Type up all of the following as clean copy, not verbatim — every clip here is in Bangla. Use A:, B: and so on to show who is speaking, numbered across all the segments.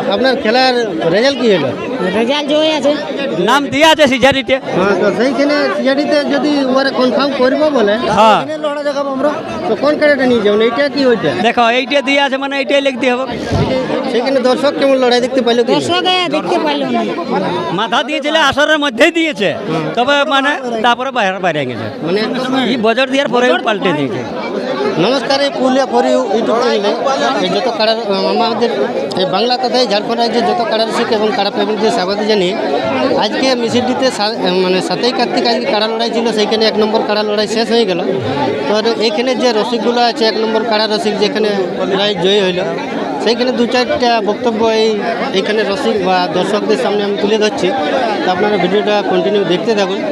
A: আপনার খেলার রেজাল্ট কি হলো?
B: রেজাল্ট জয় আছে,
C: নাম দিয়া আছে সিজারিতে।
A: হ্যাঁ, তো সেইখানে সিজাডিতে যদি ওরা কনফার্ম করবো বলে
C: হ্যাঁ
A: লড়া দেখাবো আমরা, তো কোন কাড়াটা নিয়ে যাবেন? এইটা কি ওইটা?
C: দেখো এইটা দিয়া আছে মানে এইটাই লিখতে হবে।
A: সেখানে দর্শক কেমন লড়াই দেখতে পাইলো কি?
B: দর্শকে দেখতে পাইল না।
C: মাথা দিয়েছিল আসরের মধ্যেই দিয়েছে, তবে মানে তারপরে বাইরে বাইরে গেছে,
A: মানে
C: এই বজর দেওয়ার পরে পাল্টে দিয়েছে।
A: নমস্কার, এই পুরুলিয়া ফর ইউ ইউটিউব চ্যানেলে এই যত কাড়ার আমাদের এই বাংলা তথায় ঝাড়খণ্ড রাজ্যের যত কাড়ার শিখ এবং কাড়া প্রেমীদের স্বাগত জানিয়ে আজকে মিছিলটিতে মানে 7ই কার্তিক আজকে কাড়া লড়াই ছিল, সেইখানে 1 নম্বর কাড়া লড়াই শেষ হয়ে গেল। তো এইখানে যে রসিকগুলো আছে 1 নম্বর কাড়া রসিক যেখানে লড়াই জয়ী হইল, সেইখানে 2-4টা বক্তব্য এইখানে রসিক বা দর্শকদের সামনে আমি তুলে ধরছি। তো আপনারা ভিডিওটা কন্টিনিউ দেখতে থাকুন।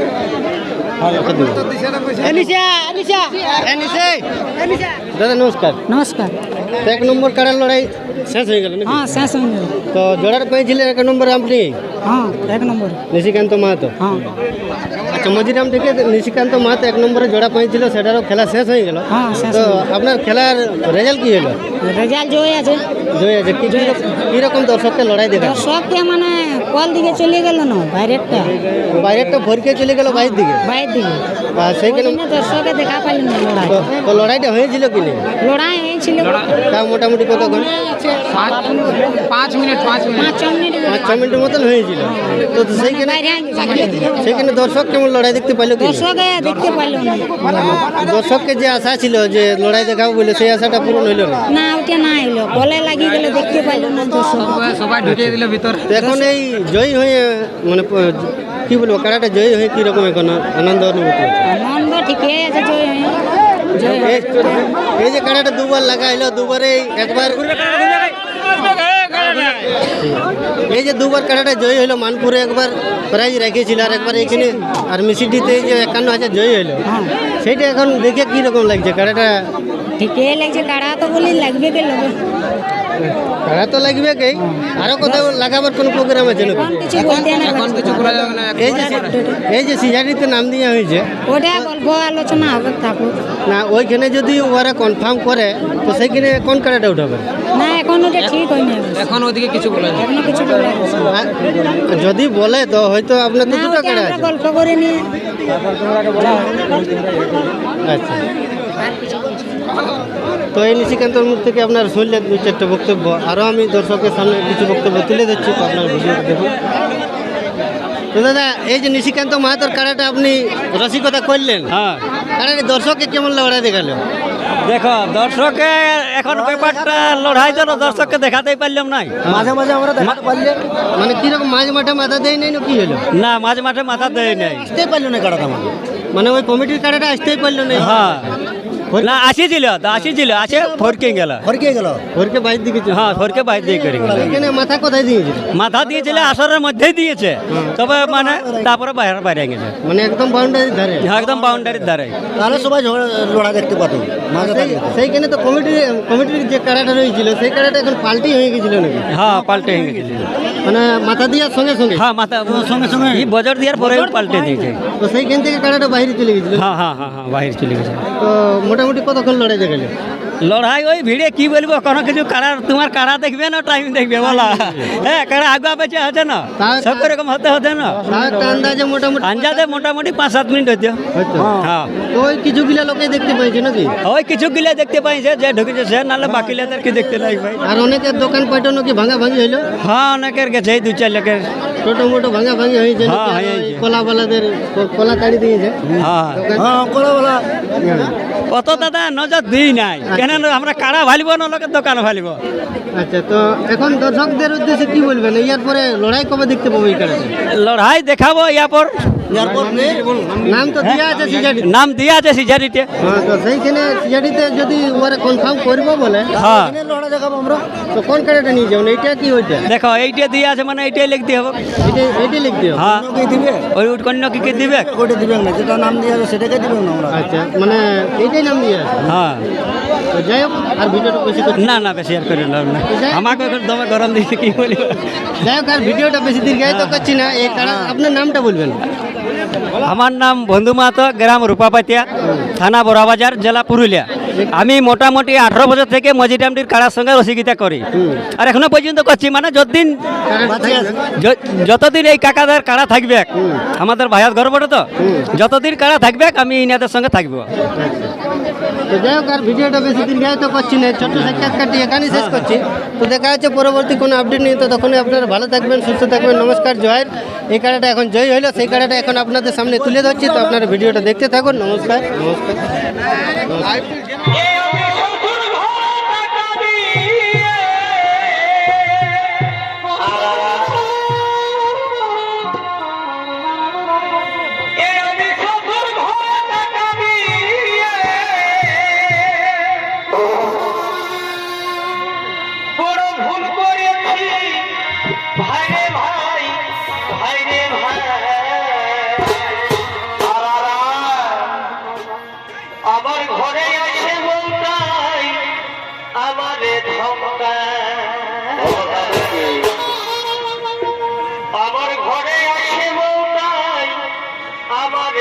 A: দাদা নমস্কার।
B: নমস্কার।
A: তো 1 নম্বর কাড়ার লড়াই শেষ হয়ে গেল নাকি?
B: হ্যাঁ শেষ হয়ে গেল।
A: তো জোড়ার পেয়েছিলেন 1 নম্বর আপনি
B: হ্যাঁ 1 নম্বর।
A: নিশিকান্ত মাহাতো।
B: হ্যাঁ
A: আচ্ছা, মজিরাম থেকে নিশিকান্ত মাহাতো 1 নম্বরে জোড়া পেয়েছিল, সেটারও খেলা শেষ হয়ে গেল।
B: হ্যাঁ শেষ
A: তো
B: হয়ে গেল।
A: আপনার খেলার রেজাল্ট কি হলো?
B: রেজাল্ট জয় আছে,
A: জয় আছে। কীরকম দর্শককে লড়াই দেখা?
B: দর্শককে মানে কোয়াল দিকে চলে গেল না, বাইরেরটা
A: বাইরেরটা ভরকে চলে গেল বাইরের দিকে।
B: বাইরের দিকে
A: আর সেইখানে
B: দর্শকে দেখা পাইল না লড়াই।
A: তো লড়াইটা হয়েছিল কি না?
B: লড়াই হয়েছিল
A: তা মোটামুটি কতক্ষণ?
B: 5 মিনিট
A: 5-6 মিনিটের মতন হয়েছিল। তো সেইখানে সেইখানে দর্শক কেমন লড়াই দেখতে পাইলো কি?
B: দর্শকে দেখতে পাইল না।
A: দর্শককে যে আশা ছিল যে লড়াই দেখাবো বলে, সেই আশাটা পূরণ হইল না।
B: না ওটা না এলো, গলে লাগিয়ে গেলে দেখতে পাইল না দর্শক।
C: সবাই ঢুকিয়ে দিল ভিতর।
A: তো এখন এই জয়ী হয়ে মানে কি বলবো, কারাটা জয়ী হয়ে কিরকম এখন আনন্দ অনুভূতি হচ্ছে?
B: আনন্দ ঠিকই আছে, জয় হয়ে জয় হয়ে।
A: এই যে কারাটা দুবার লাগাইলো, দুবারে একবার এই যে দুবার কারাটা জয়ী হইলো, মানপুরে একবার প্রাইজ রেখেছিল আর একবার এখানে আর মিসিডিতে এই যে 51,000 জয়ী হইলো, সেইটা এখন দেখে কিরকম লাগছে? কারাটা
B: ঠিকই লাগছে, কাড়া তো বলি লাগবে কে লোক।
A: কারা তো লাগবে কে, আরো কোথাও লাগাবার কোনো প্রোগ্রাম আছে নাকি?
B: এখন কিছু বলতে না, এখন কিছু করা যাবে না।
A: এই যে সিজারিতে নাম দেওয়া হয়েছে,
B: ওটা গল্প আলোচনা হবে থাকুক
A: না ওইখানে যদি ওরা কনফার্ম করে তো সেইখানে কোন কারাটা উঠাবে?
B: না, এখন ওটা ঠিক হয়নি,
C: এখন ওদিকে কিছু বলে না।
B: এখনো কিছু বলা যাচ্ছে না।
A: যদি বলে তো হয়তো আপনার তো
B: না,
A: দুটো
B: ওটা
A: কারা
B: আমরা
A: আছে।
B: গল্প করে নিয়ে
A: আচ্ছা, তো এই নিশিকান্তর মুখ থেকে আপনার শুনলেন 2-4টা বক্তব্য, আরও আমি দর্শকের সামনে কিছু বক্তব্য তুলে দিচ্ছি, তো আপনার ভিডিও দেখুন। তো দাদা, এই যে নিশিকান্ত মাহাতোর কারাটা আপনি রসিকতা করলেন,
C: হ্যাঁ
A: কারাটা দর্শককে কেমন লড়াই দেখালো?
C: দেখো দর্শকে এখন ব্যাপারটা লড়াই তো দর্শককে দেখাতেই পারলাম নাই।
A: মাঝে মাঝে আমরা দেখাতে পারলে মানে কিরকম মাঝে মাঠে মাথা দেয় নাই না কি হলো?
C: না মাঝে মাঠে মাথা দেয় নাই।
A: আসতেই পারলো না কারাটা, মানে ওই কমিটির কারাটা আসতেই পারলো না।
C: হ্যাঁ না আসিছিল তো আসিছিল, আসে ফরকে গেল।
A: ঘরকে বাইর দিকে
C: হ্যাঁ ফরকে বাইরে দিয়ে করে গেল।
A: এখানে মাথা কোথায় দিয়েছিল?
C: মাথা দিয়েছিল আসরের মধ্যেই দিয়েছে, তবে মানে তারপরে বাইরে বাইরে গেছে,
A: মানে একদম বাউন্ডারির ধারে।
C: একদম বাউন্ডারির দ্বারে।
A: তাহলে সবাই লড়া দেখতে পাতো। সেইখানে তো কমিটির যে কারাটা রয়েছিল সেই কারাটা এখন পাল্টি হয়ে গেছিল নাকি?
C: হ্যাঁ পাল্টে হয়ে গেছে,
A: মানে মাথা দেওয়ার সঙ্গে সঙ্গে।
C: হ্যাঁ মাথা সঙ্গে সঙ্গে এই বজর দেওয়ার পরে পাল্টে দিয়েছে।
A: তো সেইখান থেকে কারাটা বাইরে চলে গেছিল।
C: হ্যাঁ হ্যাঁ হ্যাঁ হ্যাঁ বাইরে চলে গেছে।
A: তো মোটামুটি কতক্ষণ লড়াই দেখালে?
C: লড়াই ওই ভিড়ে কি বলবো, কোনো কিছু কারা তোমার কারা দেখবে না টাইম দেখবে বলা। হ্যাঁ কারা আগুয়া পেছে আছে না, সব রকম হতে হতে না
A: তাও একটা আন্দাজে মোটামুটি
C: আঞ্জাদে মোটামুটি 5-7 মিনিট হইতে।
A: হয়তো।
C: হ্যাঁ
A: তো ওই কিছুগুলা লোকে দেখতে পাইছে নাকি?
C: ওই কিছু গিলে দেখতে পাইছে যে ঢুকেছে সে, নাহলে বাকি লেদের কি দেখতে নাই ভাই।
A: আর অনেকের দোকান পাঠানো কি ভাঙা ভাঙি হইলো?
C: হ্যাঁ অনেকের গেছে, এই 2-4 লোকের।
A: ছোট মোটো ভাঙা ভাঙি হয়েছে
C: হ্যাঁ,
A: নাকি?
C: হয়েছে।
A: ওই কলাওয়ালাদের কলা তাড়ি দিয়েছে।
C: হ্যাঁ
A: হ্যাঁ, কলাওয়ালা।
C: অত দাদা নজর দিই নাই, কেন আমরা কারা ভালিব না লোকের দোকান ভালিব।
A: আচ্ছা, তো এখন দর্শকদের উদ্দেশ্যে কি বলবেন? ইয়ার পরে লড়াই কবে দেখতে পাবো এই কারণে?
C: লড়াই দেখাবো ইয়ারপর।
A: নাম তো দেওয়া আছে সিজাডি।
C: নাম দিয়া আছে সিজারিতে।
A: হ্যাঁ, তো সেইখানে সিজাডিতে যদি ওরা কনফার্ম করবো বলে
C: হ্যাঁ
A: লড়াই দেখাবো আমরা, তো কোন কারাটা নিয়ে যাবেন? এইটা কি ওইটা?
C: দেখো এইটা দিয়া আছে মানে এইটাই লিখতে হবে।
A: এইটাই লিখতে হবে।
C: হ্যাঁ
A: দিবে
C: ওই কন্য কি কি দিবে।
A: ওটা দিবেন না, যেটা নাম দিয়ে আছে সেটাকে দিবেন না আমরা। আচ্ছা, মানে এইটাই নাম দিয়ে আছে।
C: হ্যাঁ
A: তো যাই হোক, আর ভিডিওটা বেশি করছি
C: না না বেশি আর করে লাভ না, আমাকে এখন দমে গরম দিয়েছে কি বলি।
A: যাই হোক, আর ভিডিওটা বেশি দীর্ঘায়িত করছি না। এই কারণ আপনার নামটা বলবেন।
C: আমার নাম বন্ধু মাহাতো, গ্রাম রূপাপাতিয়া, থানা বড়াবাজার, জেলা পুরুলিয়া। আমি মোটামুটি 18 বছর থেকে মজিরামটির কাড়ার সঙ্গে রসিকতা করি আর এখনো পর্যন্ত করছি, মানে যতদিন এই কাকাদের কাড়া থাকবে, আমাদের ভাইয়ার ঘর বটে তো, যতদিন কাড়া থাকবে আমি ইনাদের সঙ্গে থাকবো।
A: তো যাই হোক, আর ভিডিওটা বেশি দিন যাই তো করছি না, ছোট্ট সাক্ষাৎকারটি এখানেই শেষ করছি। তো দেখা যাচ্ছে পরবর্তী কোনো আপডেট নিয়ে, তো তখনই আপনারা ভালো থাকবেন, সুস্থ থাকবেন। নমস্কার, জয়ের এই কাড়াটা এখন জয় হইলো, সেই কাড়াটা এখন আপনাদের সামনে তুলে ধরছি। তো আপনারা ভিডিওটা দেখতে থাকুন। নমস্কার, নমস্কার।
D: আমার ঘরে আসে বলতাই আমারে আমার ঘরে আসে বলতাই আমারে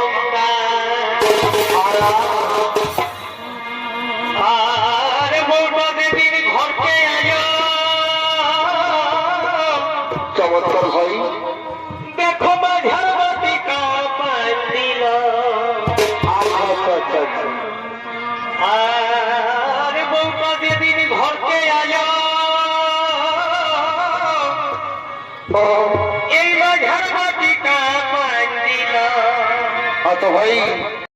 D: আর বলবা দেবীর ঘরকে আয় চমৎকার ভাই দেখো মাঝার বাতি কাপাই দিল আর বলবা দেবীর ঘরকে আয় এই মাঝার বাতি কাপাই দিল। ভাই